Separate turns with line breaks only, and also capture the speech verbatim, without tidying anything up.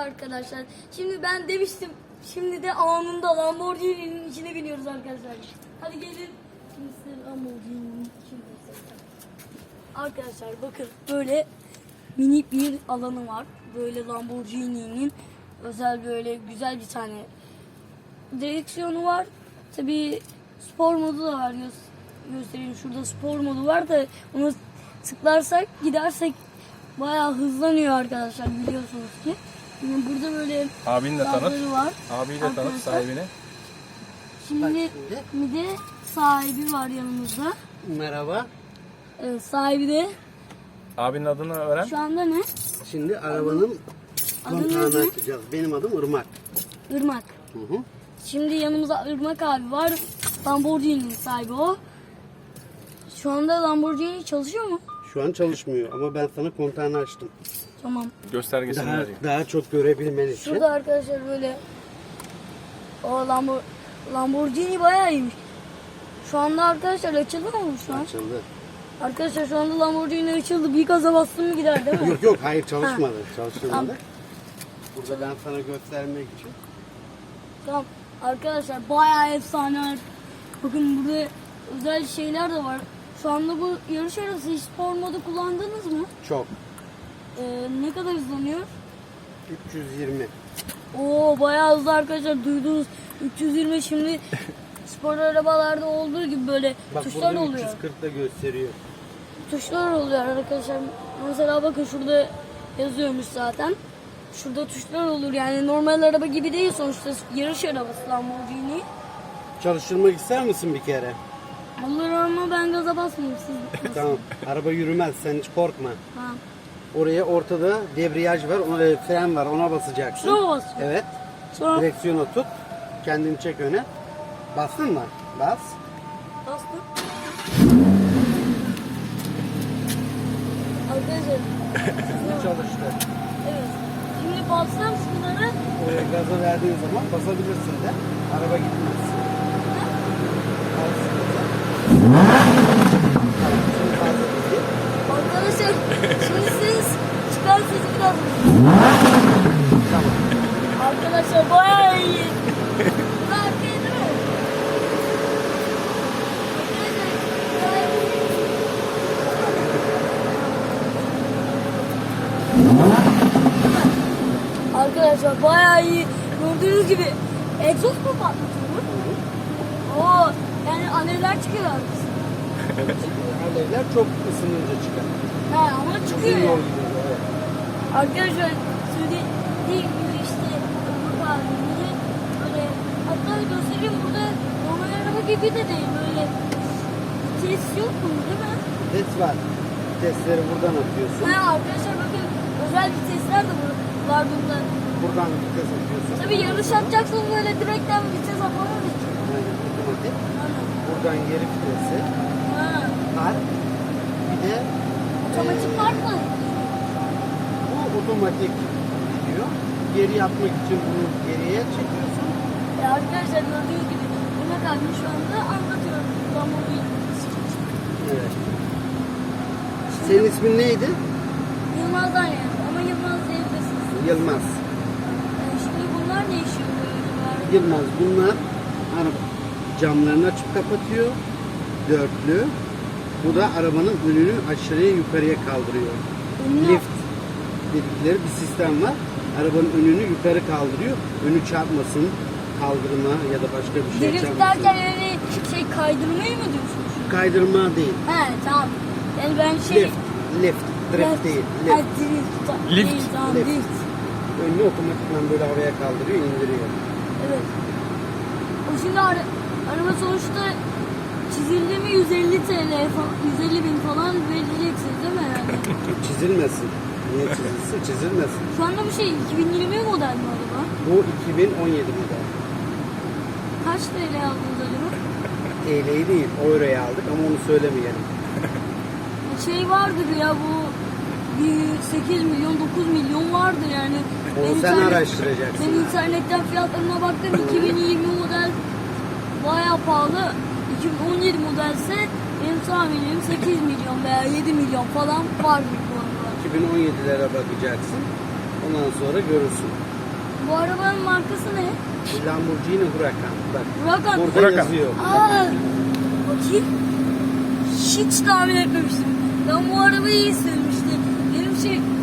arkadaşlar. Şimdi ben demiştim. Şimdi de anında Lamborghini'nin içine biniyoruz arkadaşlar. Hadi gelin. Şimdi size Lamborghini'nin içine göstereceğim. Arkadaşlar bakın böyle minik bir alanı var. Böyle Lamborghini'nin özel böyle güzel bir tane direksiyonu var. Tabii spor modu da var. Gö- göstereyim. Şurada spor modu var da onu tıklarsak gidersek bayağı hızlanıyor arkadaşlar, biliyorsunuz ki. Şimdi burada böyle
Abini de tanıt.
gazları var.
Abiyi de tanıt,
Arkadaşlar.
sahibini.
Şimdi bir de sahibi var yanımızda.
Merhaba.
Evet, sahibi de
Abinin adını öğren.
şu anda ne?
Şimdi arabanın
Adınız
kontağını
ne?
açacağız. Benim adım Irmak.
Irmak.
Hı hı.
Şimdi yanımızda Irmak abi var. Lamborghini'nin sahibi o. Şu anda Lamborghini çalışıyor mu?
Şu an çalışmıyor ama ben sana kontağını açtım.
Tamam.
Göstergesini
Daha,
vereyim.
daha çok görebilmen için.
Şurada arkadaşlar böyle o Lambor Lamborghini bayağı iyiymiş. Şu anda arkadaşlar açıldı mı bu şu an?
Açıldı.
Arkadaşlar şu anda Lamborghini açıldı. Bir gaza bastım mı gider değil mi?
Yok yok hayır çalışmadı. Çalıştırmadı.
Tamam.
Burada ben sana göstermek için.
Tamam. Arkadaşlar bayağı efsane. Bakın burada özel şeyler de var. Şu anda bu yarış arası hiç spor modu kullandınız mı?
Çok.
Ee, ne kadar hızlanıyor?
üç yüz yirmi.
Oo bayağı hızlı arkadaşlar, duydunuz. üç yüz yirmi şimdi spor arabalarda olduğu gibi böyle
Bak
tuşlar
burada
oluyor.
üç yüz kırk da gösteriyor.
Tuşlar oluyor arkadaşlar. Mesela bakın şurada yazıyormuş zaten. Şurada tuşlar olur, yani normal araba gibi değil sonuçta, yarış arabası Lamborghini.
Çalıştırmak ister misin bir kere?
Olur ama ben gaza basmayayım, siz.
Tamam. Araba yürümez, sen hiç korkma.
Ha.
Oraya ortada debriyaj var, ona fren var, ona basacaksın.
Şuna mı basıyorsun?
Evet.
Sonra
Direksiyonu tut. Kendini çek öne. Bastın mı? Bas.
bastım. Arkadaşlar.
Çalıştı.
Evet. Şimdi bassam şunları.
Oraya gaza verdiğin zaman basabilirsin de. Araba gitmez. Bas. Tamam, şimdi fazla gitti.
Arkadaşlar şimdi siz çıkan sesi biraz.
Tamam.
Arkadaşlar bayağı iyi. Bu da arkaya değil mi? Arkadaşlar bayağı iyi. Gördüğünüz gibi egzoz mu patlatıyor? Oo, yani alevler çıkıyor arkasında.
Alevler çok ısınınca çıkar.
Ha ama çıkıyor.
Uzun yol
Yani.
gidiyor. Evet.
Arkadaşlar söylediğim gibi işte bu halinde böyle, hatta göstereyim, burada normal araba gibi de değil, böyle vites yok mu değil mi?
Vites var. Vitesleri buradan atıyorsun.
Ha arkadaşlar bakın, özel vitesler de bu- var bunda.
Buradan vites atıyorsun.
Tabii yarış yapacaksınız, böyle direkten vites atamaz ki.
Yani otomatik.
Aynen.
Buradan geri vitesi.
Ha.
Var. Bir de
Otomatik var mı?
bu otomatik gidiyor. Geri yapmak için bunu geriye çekiyorsun.
E arkadaşlar gördüğünüz gibi Ömer abi şu anda anlatıyor. Lamborghini.
Evet. Senin ismin neydi?
Yılmaz'dan yani, ama Yılmaz diyebilirsiniz.
Yılmaz.
E şimdi bunlar ne işe yarıyor?
Yılmaz. Bunlar hani camlarını açıp kapatıyor. Dörtlü. Bu da arabanın önünü aşağıya yukarıya kaldırıyor.
Ünlü-
Lift dedikleri bir sistem var. Arabanın önünü yukarı kaldırıyor. Önü çarpmasın, kaldırma ya da başka bir şey
Drift
çarpmasın.
derken yani şey kaydırmayı mı diyorsunuz?
Kaydırma değil.
He tamam. Yani ben şey...
Lift. Lift. Drift değil.
Ha,
Lift.
drift.
Lift.
Değil, tamam,
Lift.
lift.
Önünü otomatikman böyle havaya kaldırıyor, indiriyor.
Evet. O şimdi ara, araba sonuçta çizildi mi yüz elli TL falan, yüz elli bin falan vereceksiniz değil mi herhalde?
Çizilmesin. Niye çizilsin? Çizilmesin.
Şu anda bu şey iki bin yirmi model mi araba?
Bu iki bin on yedi model.
Kaç T L aldınız acaba?
T L'yi değil, euroya aldık ama onu söylemeyelim.
Şey vardır ya, bu bir sekiz milyon dokuz milyon vardır yani.
Onu
Ben
sen
internet-
araştıracaksın.
Ben internetten fiyatlarına baktım, iki bin yirmi model bayağı pahalı. iki bin on yedi modelse benim tahminim sekiz milyon veya yedi milyon falan var bu arada.
iki bin on yedilere bakacaksın. Ondan sonra görürsün.
Bu arabanın markası ne?
Lamborghini Huracan. Bak
Huracan.
burada
Huracan.
yazıyor.
Aa, bakayım. Hiç tahmin etmemiştim. Ben bu arabayı iyi sürmüştüm. Benim şey